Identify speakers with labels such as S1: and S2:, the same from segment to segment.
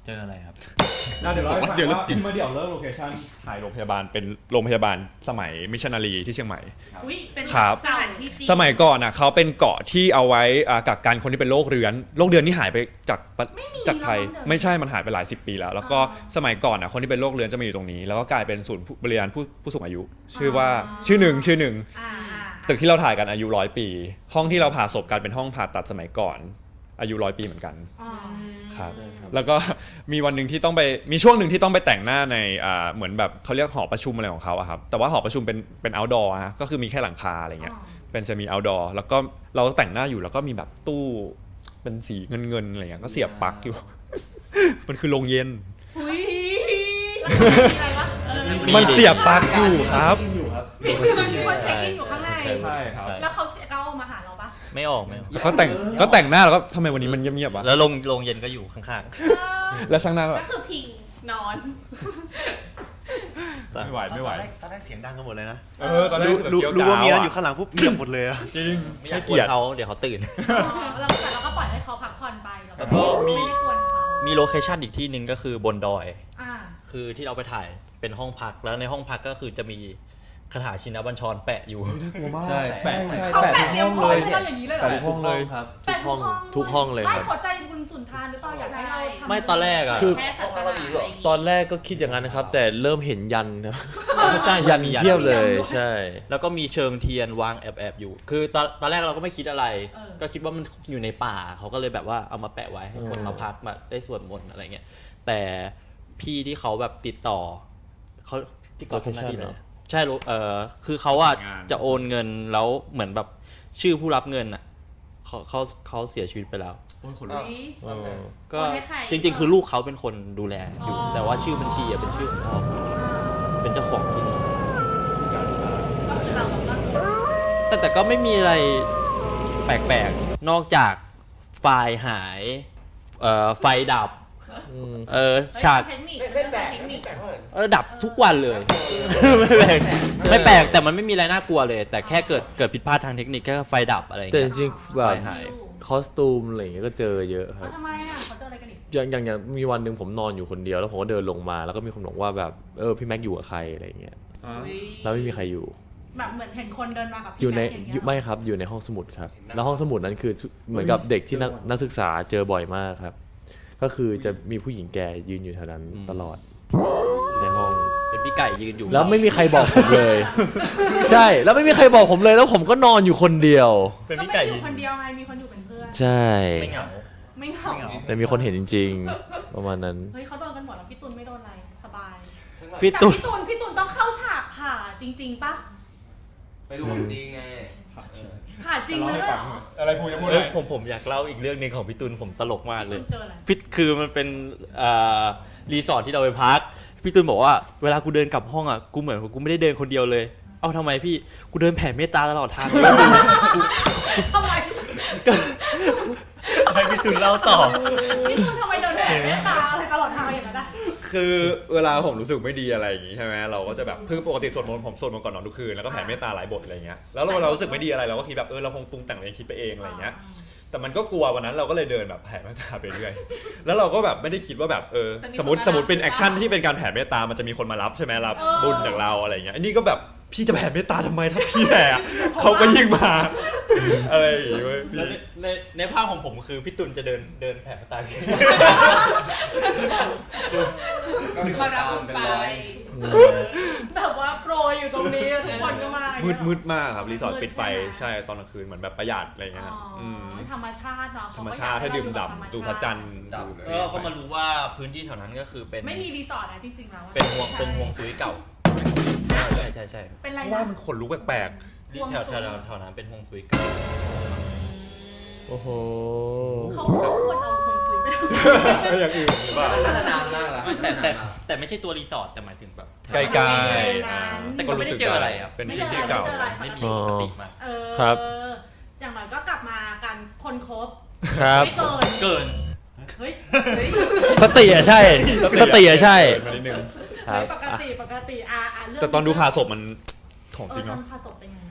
S1: เจออะไรครับ
S2: เดี๋ยวเราให้ฟังว่าที่มาเดี่ยวเลิกโลเคชั่นถ่ายโรงพยาบาลเป็นโรงพยาบาลสมัยมิชชันนารีที่เชียงใหม่
S3: เป็น
S2: ครับ
S3: สถานที่จริง
S2: สมัยก่อนอ่ะเขาเป็นเกาะที่เอาไว้กักกันคนที่เป็นโรคเรื้อนนี่หายไปจากไทยไม่ใช่มันหายไปหลาย10 ปีแล้วก็สมัยก่อนอ่ะคนที่เป็นโรคเรื้อนจะมาอยู่ตรงนี้แล้วก็กลายเป็นศูนย์บริการผู้สูงอายุชื่อหนึ่งตึกที่เราถ่ายกันอายุ100 ปีห้องที่เราผ่าศพกันเป็นห้องผ่าตัดสมัยก่อนอายุ100 ปีเหมือนกันครับแล้วก็มีวันหนึ่งที่ต้องไปมีช่วงหนึ่งที่ต้องไปแต่งหน้าในเหมือนแบบเขาเรียกหอประชุมอะไรของเขาอะครับแต่ว่าหอประชุมเป็น outdoor ฮะก็คือมีแค่หลังคาอะไรเงี้ยเป็นจะมี outdoor แล้วก็เราแต่งหน้าอยู่แล้วก็มีแบบตู้เป็นสีเงินอะไรเงี้ยก็เสียบปลั๊กอยู่ มันคือโรงเย็นมันเสียบปลั๊กอยู่ครับ
S3: มีคนเช็คอินอยู่ข้างใน
S2: ใช่ครับ
S3: แล้วเขามาหาเราปะ
S1: ไม่ออก
S2: ก็แต่งหน้าแล้วก็ทำไมวันนี้มันเงียบๆวะ
S1: แล้วโรงเย็นก็อยู่ข้าง
S2: ๆแล้วช่างหน้า
S3: ก็คือพิงนอน
S2: ไม่ไหว
S4: ตอนแรกเสียงดังกันหมดเลยนะ
S2: ตอนแรก
S4: รู้ว่ามีนั้นอยู่ข้างหลังปุ๊บเงียบหมดเลย
S2: จริง
S1: ไม่อยากกวนเขาเดี๋ยวเขาตื่น
S3: เราก็ปล่อยให้เขาพักผ่อนไป
S1: แล้วก็มีโลเคชั่นอีกที่หนึ่งก็คือบนดอยคือที่เราไปถ่ายเป็นห้องพักแล้วในห้องพักก็คือจะมีคาถาชินบัญชรแปะอยู่
S2: ใช่แปะ
S3: ทุกห้องเลย
S2: แปะทุกห้องเลย
S1: ครับ
S4: ทุกห้องเลยครับ
S3: ไม่ขอใจบุญสุนทานหรือเปล่าอยากให้เราทำ
S1: ไม่ตอนแรก
S4: คือ
S1: ต
S4: อนแรกก็คิดอย่างนั้นนะครับแต่เริ่มเห็นยันครับใช่ยันเทียบเลยใช่
S1: แล้วก็มีเชิงเทียนวางแอบอยู่คือตอนแรกเราก็ไม่คิดอะไรก็คิดว่ามันอยู่ในป่าเขาก็เลยแบบว่าเอามาแปะไว้ให้คนมาพักมาได้สวดมนต์อะไรเงี้ยแต่พี่ที่เขาแบบติดต่อเขาที่ก่อนทำหน้าที่เลยใช่คือเขาอะจะโอนเงินแล้วเหมือนแบบชื่อผู้รับเงินอะเขาเสียชีวิตไปแล้วก็จริงๆคือลูกเขาเป็นคนดูแลอยู่แต่ว่าชื่อบัญชีอะเป็นชื่อของพ่อเป็นเจ้าของที่นี่
S3: ก็คือเรา
S1: แต่ก็ไม่มีอะไรแปลกๆนอกจากไฟล์หายไฟดับฉากดับทุกวันเลยไม่แปลกแต่มันไม่มีอะไรน่ากลัวเลยแต่แค่เกิดผิดพลาดทางเทคนิคแค่ไฟดับอะไรอย่าง
S4: เงี้
S1: ย
S4: แต่จริงๆแบบคอสตูมอะไรอย่างเงี้ยก็เจอเยอะครับ
S3: ทำไมเขาเจออะไรกันอีก
S4: อย่างมีวันหนึ่งผมนอนอยู่คนเดียวแล้วผมก็เดินลงมาแล้วก็มีคนบอกว่าแบบพี่แม็กอยู่กับใครอะไรอย่างเงี้ยแล้วไม่มีใครอยู่
S3: แบบเหมือนเห็นคนเดินมากับ
S4: อยู่ในไม่ครับอยู่ในห้องสมุดครับแล้วห้องสมุดนั้นคือเหมือนกับเด็กที่นักศึกษาเจอบ่อยมากครับก็คือจะมีผู้หญิงแก่ยืนอยู่แถวนั้นตลอดในห้อง
S1: เป็นพี่ไก่ยืนอยู่
S4: แล้วไม่มีใครบอกผมเลยใช่แล้วไม่มีใครบอกผมเลยแล้วผมก็นอนอยู่คนเดียว
S1: เป็นพี่ไก่
S3: อยู่คนเดียวไงมีคนอยู่เป็นเพื่อน
S4: ใช่
S1: ไม่เหงา
S4: แต่มีคนเห็นจริงๆประมาณนั้น
S3: เฮ้ยเขาโดนกันหมดแล้วพี่ตุลไม่โดนอะไรสบาย
S1: พี่ตุล
S3: ต้องเข้าฉากผ่าจริงๆปะ
S5: ไปดูของจริงไง
S3: ผ่าจริงเลย
S2: อะไรพูดยังพูดเลย
S1: ผมอยากเล่าอีกเรื่องนึงของพี่ตุลผมตลกมากเลยคือมันเป็นรีสอร์ทที่เราไปพักพี่ตุลบอกว่าเวลากูเดินกลับห้องอ่ะกูเหมือนกูไม่ได้เดินคนเดียวเลยเอาทำไมพี่กูเดินแผ่เมตตาตลอดทาง
S3: ทำไม
S1: ให้พี่ตุลเล่าต่อ
S3: พี่ตุลทำไมเดินแผ่เมตตาอะไรตลอดทางอย่างนั้น
S2: คือเวลาผมรู้สึกไม่ดีอะไรอย่างงี้ใช่ไหมเราก็จะแบบปกติสวดมนต์ผมสวดมนต์ก่อนนอนทุกคืนแล้วก็แผ่เมตตาหลายบทอะไรเงี้ยแล้วเรารู้สึกไม่ดีอะไรเราก็คิดแบบเราคงปรุงแต่งเองคิดไปเองอะไรเงี้ยแต่มันก็กลัววันนั้นเราก็เลยเดินแบบแผ่เมตตาไปเรื่อยแล้วเราก็แบบไม่ได้คิดว่าแบบสมมติเป็นแอคชั่นที่เป็นการแผ่เมตตามันจะมีคนมารับใช่ไหมรับบุญจากเราอะไรเงี้ยอันนี้ก็แบบพี่จะแผ่เมตตาทำไมถ้าพี่แผ่เขาก็ยิ่งมาอะไรอย่างเงี้ย
S1: ในภาพของผมคือพี่ตุลจะเดินแผ่เมตตา
S5: ก็มีคนตามเป็นร้อย
S3: แบบว่าโปรยอยู่ตรงนี้ทุกคนก็มา
S2: มืดมากครับรีสอร์ทปิดไฟใช่ตอนกลางคืนเหมือนแบบประหยัดอะไรเงี้ย
S3: ธรรมชาติเนาะ
S2: ธรรมชาติให้ดื่มด่ำดูพระจันทร์
S1: ก็มารู้ว่าพื้นที่แถวนั้นก็คือเป็น
S3: ไม่มีรีสอร์ทนะจริงๆแล้ว
S1: เป็นห่วงซุยเก่าใช่
S3: เป็นไร
S2: ว่ามันขนลุกแปลก
S1: ๆแถวนั้นเป็นห่วงซุยเก่า
S4: โอ้โห
S3: เขาควรเอาห่วงซุยไป
S2: อย่างอื่นหรือเปล่า
S5: น่าจะนานมากแล้ว
S1: แต่ไม่ใช่ตัวรีสอร์ทแต่หมายถึงแบบ
S2: ไกลๆ
S1: แต่ก็ไม่ได้เจออะไรครับ
S2: เป็นพื้นที่เก่า
S1: ไม่มีปกติมาก
S4: ครับ
S3: อย่างไรก็กลับมากันคนครบ
S4: ไม่
S1: เกิน
S3: เฮ้ย
S4: สติอ่ะใช่สติอ่ะใช่
S3: ปกติ
S2: แต่ตอนดูผ่าศพมันของจริงเนาะ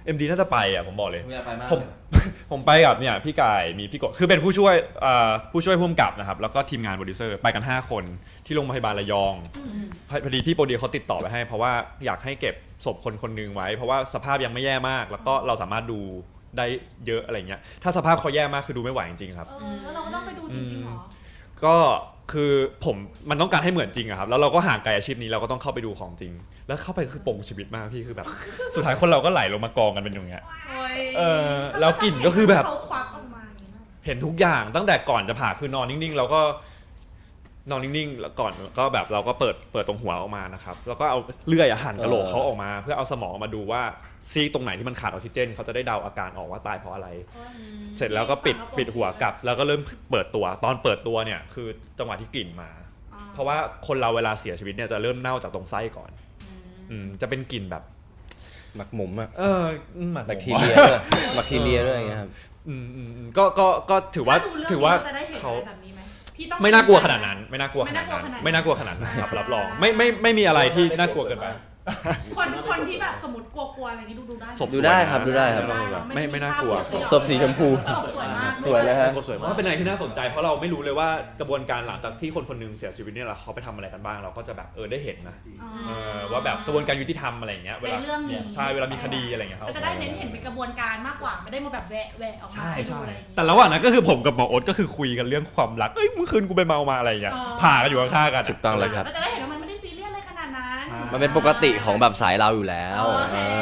S2: MD น่าจะไปอ่ะผมบอกเลย
S5: ผมอยากไปมาก
S2: ผม ผมไปกับเนี่ยพี่กายมีพี่กบคือเป็นผู้ช่วยผู้ช่วยผู้กำกับนะครับแล้วก็ทีมงานโปรดิวเซอร์ไปกัน5คนที่โรงพยาบาลระยองพอดีพี่โปรดิวเขาติดต่อไปให้เพราะว่าอยากให้เก็บศพคนคนหนึงไว้เพราะว่าสภาพยังไม่แย่มากแล้วก็เราสามารถดูได้เยอะอะไรเงี้ยถ้าสภาพเขาแย่มากคือดูไม่ไหวจริงๆครับ
S3: แล้วเราก็ต้องไปดูจริงๆเหรอ
S2: ก็คือมันต้องการให้เหมือนจริงอะครับแล้วเราก็ห่างไกลอาชีพนี้เราก็ต้องเข้าไปดูของจริง แล้วเข้าไปคือปงชีวิตมากพี่คือแบบ สุดท้ายคนเราก็ไหลลงมากองกันเป็นอย่างเงี้ยแล้วกลิ่นก็คือแบบ
S3: เขาควักออกมาอย่างนี้นะ
S2: เห็นทุกอย่างตั้งแต่ก่อนจะผ่าคือนอนนิ่งๆเราก็นอนนิ่งๆแล้วก่อนก็แบบเราก็เปิดตรงหัวออกมานะครับแล้วก็เอาเลื่อยหั่นกะโหลกเขาออกมา เพื่อเอาสมองมาดูว่าซีกตรงไหนที่มันขาดออกซิเจนเขาจะได้เดาอาการออกว่าตายเพราะอะไร เสร็จแล้วก็ปิดหัวกลับแล้วก็เริ่มเปิดตัวตอนเปิดตัวเนี่ยคือจังหวะที่กลิ่นมา เพราะว่าคนเราเวลาเสียชีวิตเนี่ยจะเริ่มเน่าจากตรงไส้ก่อนจะเป็นกลิ่นแบบ
S5: หมักหมมอะ
S2: หมัก
S5: แบคทีเรียด้วยแบคทีเรียด้วยอย่างเงี้ยครับ
S2: ก็ถือว่า
S3: ถ้ดูเรื่องนี้
S2: เขา
S3: จะได้เห็นอะไรแบบนี้ไหมพี่ต้อง
S2: ไม่น่ากลัวขนาดนั้นไม่น่ากลัวขนาดนั้น
S3: ไม่
S2: ไม่
S3: น่า
S2: น่าก ก
S3: ลั
S2: ลั
S3: ว
S2: ว
S3: ข
S2: ข
S3: นา
S2: นา
S3: ด
S2: ด
S3: นั้
S2: นั้น นครับรับรองไม่มีอะไรที่น่ากลัวเกินไป
S3: คนที่แบบสมมติกลัวๆอะไรนี้ดูได้ไหม
S2: ศพ
S5: ดูได้ครับดูได้ครับ
S2: ไม่น่ากลัว
S5: ศพสีชมพู
S3: ศพสวยมาก
S5: สวยเลยฮะ
S2: สวยมากเป็นอะไรที่น่าสนใจเพราะเราไม่รู้เลยว่ากระบวนการหลังจากที่คนคนหนึงเสียชีวิตเนี่ยเขาไปทำอะไรกันบ้างเราก็จะแบบได้เห็นนะว่าแบบกระบวนการยุติธรรมอะไรอย่างเงี้ยเว
S3: ใน
S2: ลา
S3: เรื่องนี้
S2: ใช่เวลามีคดีอะไรอย่างเงี้ย
S3: ก็จะได้เน้นเห็นเป็นกระบวนการมากกว่าไม่ได้มาแบบแหวะออกมาให้ดูอะไรอย่างงี้
S2: แต่ระหว่างนั้นก็คือผมกับหมอโอ๊ตก็คือคุยกันเรื่องความรักเมื่อคืนกูไปเมามาอะไรอย่างเงี้ยผ่ากันอยู่ข้างๆกัน
S5: ถูกต้องเลยครับ
S3: ก็จะได้เห็นว่ามันไม่ได้ซีเรียสอะไรขนาดนั้น
S5: มันเป็นปกติของแบบสายเราอยู่แล้ว
S3: โอเค
S5: เอ